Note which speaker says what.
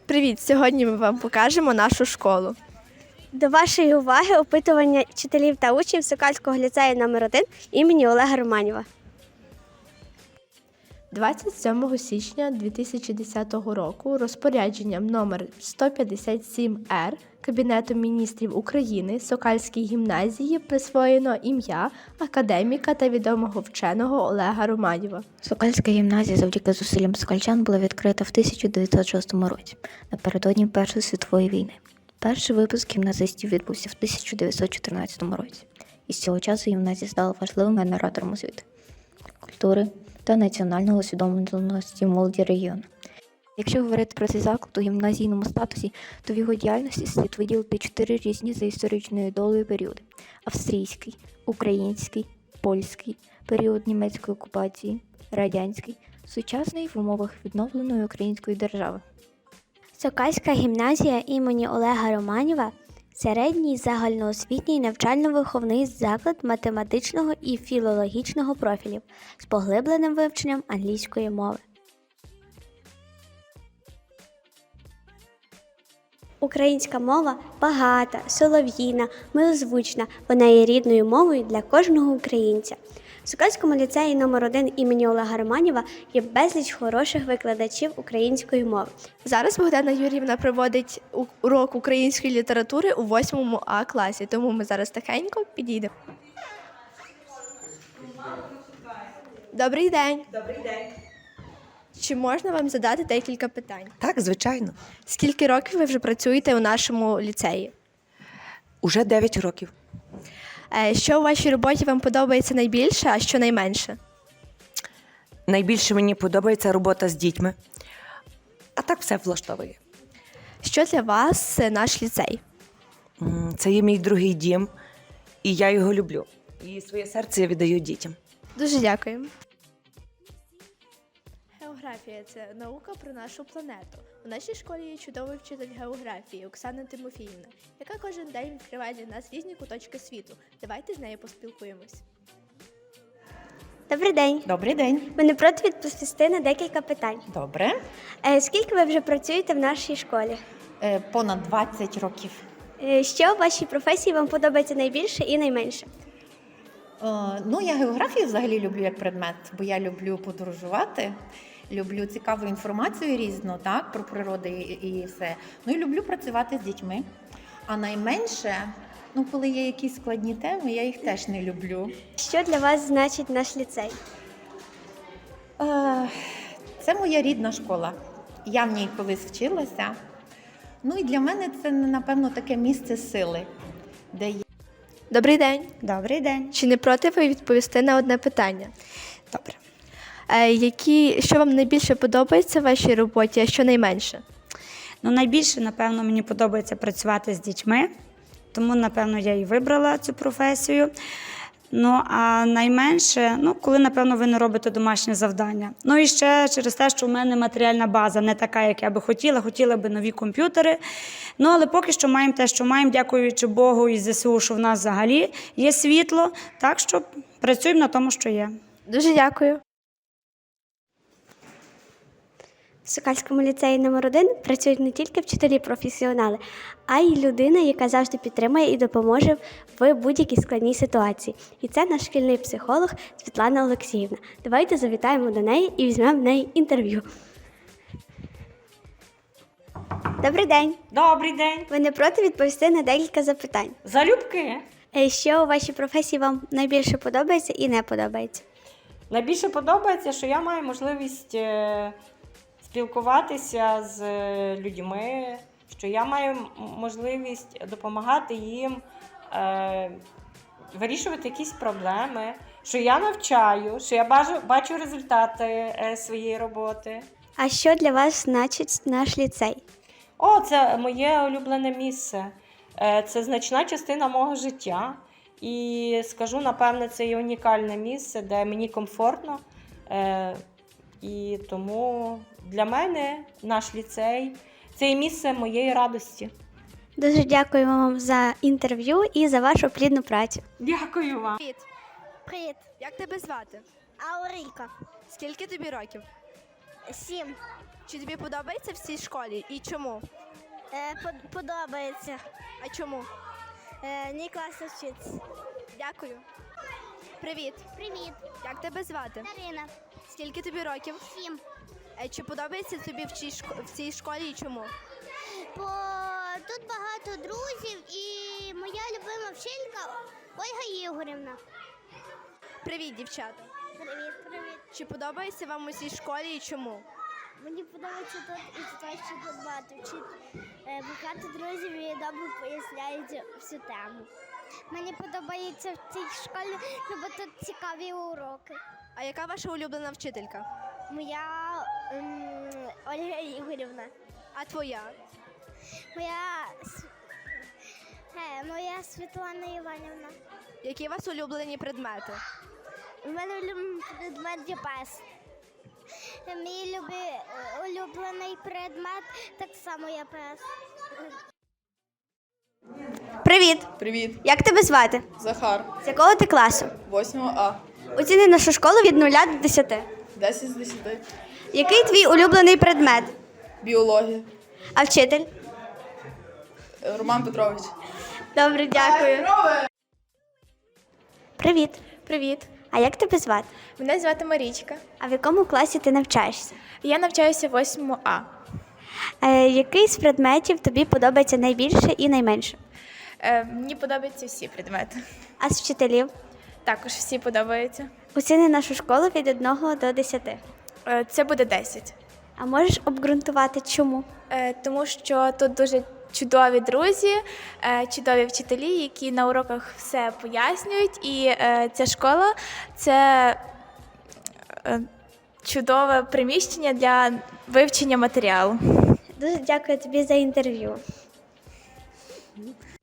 Speaker 1: Привіт! Сьогодні ми вам покажемо нашу школу.
Speaker 2: До вашої уваги опитування вчителів та учнів Сокальського ліцею номер 1 імені Олега Романєва.
Speaker 1: 27 січня 2010 року розпорядженням номер 157-Р Кабінетом міністрів України Сокальській гімназії присвоєно ім'я академіка та відомого вченого Олега Романєва.
Speaker 3: Сокальська гімназія завдяки зусиллям сокальчан була відкрита в 1906 році, напередодні Першої світової війни. Перший випуск гімназистів відбувся в 1914 році. І з цього часу гімназія стала важливим генератором освіти, культури та національного усвідомленості молоді регіону. Якщо говорити про цей заклад у гімназійному статусі, то в його діяльності слід виділити 4 різні за історичною долею періоди: австрійський, український, польський, період німецької окупації, радянський, сучасний в умовах відновленої української держави.
Speaker 2: Сокальська гімназія імені Олега Романєва – середній загальноосвітній навчально-виховний заклад математичного і філологічного профілів з поглибленим вивченням англійської мови. Українська мова багата, солов'їна, милозвучна, вона є рідною мовою для кожного українця. В Сокальському ліцеї номер 1 імені Олега Романєва є безліч хороших викладачів української мови.
Speaker 1: Зараз Богдана Юріївна проводить урок української літератури у 8 А класі, тому ми зараз тихенько підійдемо. Добрий день!
Speaker 4: Добрий день.
Speaker 1: Чи можна вам задати декілька питань?
Speaker 4: Так, звичайно.
Speaker 1: Скільки років ви вже працюєте у нашому ліцеї?
Speaker 4: Уже 9 років.
Speaker 1: Що у вашій роботі вам подобається найбільше, а що найменше?
Speaker 4: Найбільше мені подобається робота з дітьми. А так все влаштовує.
Speaker 1: Що для вас наш ліцей?
Speaker 4: Це є мій другий дім, і я його люблю. І своє серце я віддаю дітям.
Speaker 1: Дуже дякую. Географія – це наука про нашу планету. У нашій школі є чудовий вчитель географії Оксана Тимофіївна, яка кожен день відкриває для нас різні куточки світу. Давайте з нею поспілкуємось.
Speaker 2: Добрий день!
Speaker 5: Добрий день.
Speaker 2: Ви не проти відповісти на декілька питань?
Speaker 5: Добре.
Speaker 2: Скільки ви вже працюєте в нашій школі?
Speaker 5: Понад 20 років.
Speaker 2: Що в вашій професії вам подобається найбільше і найменше?
Speaker 5: Я географію взагалі люблю як предмет, бо я люблю подорожувати, люблю цікаву інформацію різну, так, про природу і все. І люблю працювати з дітьми. А найменше, коли є якісь складні теми, я їх теж не люблю.
Speaker 2: Що для вас значить наш ліцей?
Speaker 5: Це моя рідна школа. Я в ній колись вчилася. І для мене це, напевно, таке місце сили, де є.
Speaker 1: Добрий день!
Speaker 6: Добрий день.
Speaker 1: Чи не проти ви відповісти на одне питання?
Speaker 6: Добре.
Speaker 1: Що вам найбільше подобається в вашій роботі, а що найменше?
Speaker 6: Найбільше, напевно, мені подобається працювати з дітьми, тому, напевно, я і вибрала цю професію. А найменше, коли, напевно, ви не робите домашнє завдання. І ще через те, що в мене матеріальна база не така, як я би хотіла би нові комп'ютери. Але поки що маємо те, що маємо, дякуючи Богу і ЗСУ, що в нас взагалі є світло, так що працюємо на тому, що є.
Speaker 1: Дуже дякую.
Speaker 2: В Сокальському ліцеї номер 1 працюють не тільки вчителі-професіонали, а й людина, яка завжди підтримує і допоможе в будь-якій складній ситуації. І це наш шкільний психолог Світлана Олексіївна. Давайте завітаємо до неї і візьмемо в неї інтерв'ю. Добрий день!
Speaker 7: Добрий день.
Speaker 2: Ви не проти відповісти на декілька запитань?
Speaker 7: Залюбки.
Speaker 2: Що у вашій професії вам найбільше подобається і не подобається?
Speaker 7: Найбільше подобається, що я маю можливість спілкуватися з людьми, що я маю можливість допомагати їм вирішувати якісь проблеми, що я навчаю, що я бачу результати своєї роботи.
Speaker 2: А що для вас значить наш ліцей?
Speaker 7: Це моє улюблене місце. Це значна частина мого життя. І скажу, напевне, це є унікальне місце, де мені комфортно. І тому для мене наш ліцей – це є місце моєї радості.
Speaker 2: Дуже дякуємо вам за інтерв'ю і за вашу плідну працю.
Speaker 7: Дякую вам.
Speaker 1: Привіт!
Speaker 2: Привіт,
Speaker 1: Як тебе звати?
Speaker 2: Аурійка.
Speaker 1: Скільки тобі років?
Speaker 2: 7.
Speaker 1: Чи тобі подобається в цій школі і чому?
Speaker 2: Подобається.
Speaker 1: А чому?
Speaker 2: Мені класно вчитися.
Speaker 1: Дякую. Привіт.
Speaker 2: Привіт,
Speaker 1: Як тебе звати?
Speaker 2: Дарина.
Speaker 1: Скільки тобі років?
Speaker 2: 7.
Speaker 1: Чи подобається тобі в цій школі і чому?
Speaker 2: Бо тут багато друзів і моя любима вчителька Ольга Ігорівна.
Speaker 1: Привіт, дівчата.
Speaker 2: Привіт.
Speaker 1: Чи подобається вам у цій школі і чому?
Speaker 2: Мені подобається тут і те, що тут багато багато друзів і добре поясняють всю тему. Мені подобається в цій школі, бо тут цікаві уроки.
Speaker 1: А яка ваша улюблена вчителька?
Speaker 2: Моя Ольга Ігорівна.
Speaker 1: А твоя?
Speaker 2: Моя Світлана Іванівна.
Speaker 1: Які у вас улюблені предмети?
Speaker 2: У мене улюблений предмет є пес. Мій улюблений предмет так само є пес.
Speaker 8: Привіт!
Speaker 9: Привіт,
Speaker 8: Як тебе звати?
Speaker 9: Захар,
Speaker 8: З якого ти класу?
Speaker 9: 8 А,
Speaker 8: Оціни нашу школу від 0 до 10.
Speaker 9: 10 з 10,
Speaker 8: Який твій улюблений предмет?
Speaker 9: біологія,
Speaker 8: А вчитель?
Speaker 9: Роман Петрович.
Speaker 8: Добре, дякую. Привіт.
Speaker 10: Привіт,
Speaker 8: А як тебе звати?
Speaker 10: мене звати Марічка.
Speaker 8: А в якому класі ти навчаєшся?
Speaker 10: Я навчаюся в 8 А.
Speaker 8: Який з предметів тобі подобається найбільше і найменше?
Speaker 10: Мені подобаються всі предмети.
Speaker 8: А з вчителів?
Speaker 10: Також всі подобаються.
Speaker 8: Оціни нашу школу від 1 до 10.
Speaker 10: Це буде 10.
Speaker 8: А можеш обґрунтувати, чому?
Speaker 10: Тому що тут дуже чудові друзі, чудові вчителі, які на уроках все пояснюють. І ця школа – це чудове приміщення для вивчення матеріалу.
Speaker 8: Дуже дякую тобі за інтерв'ю.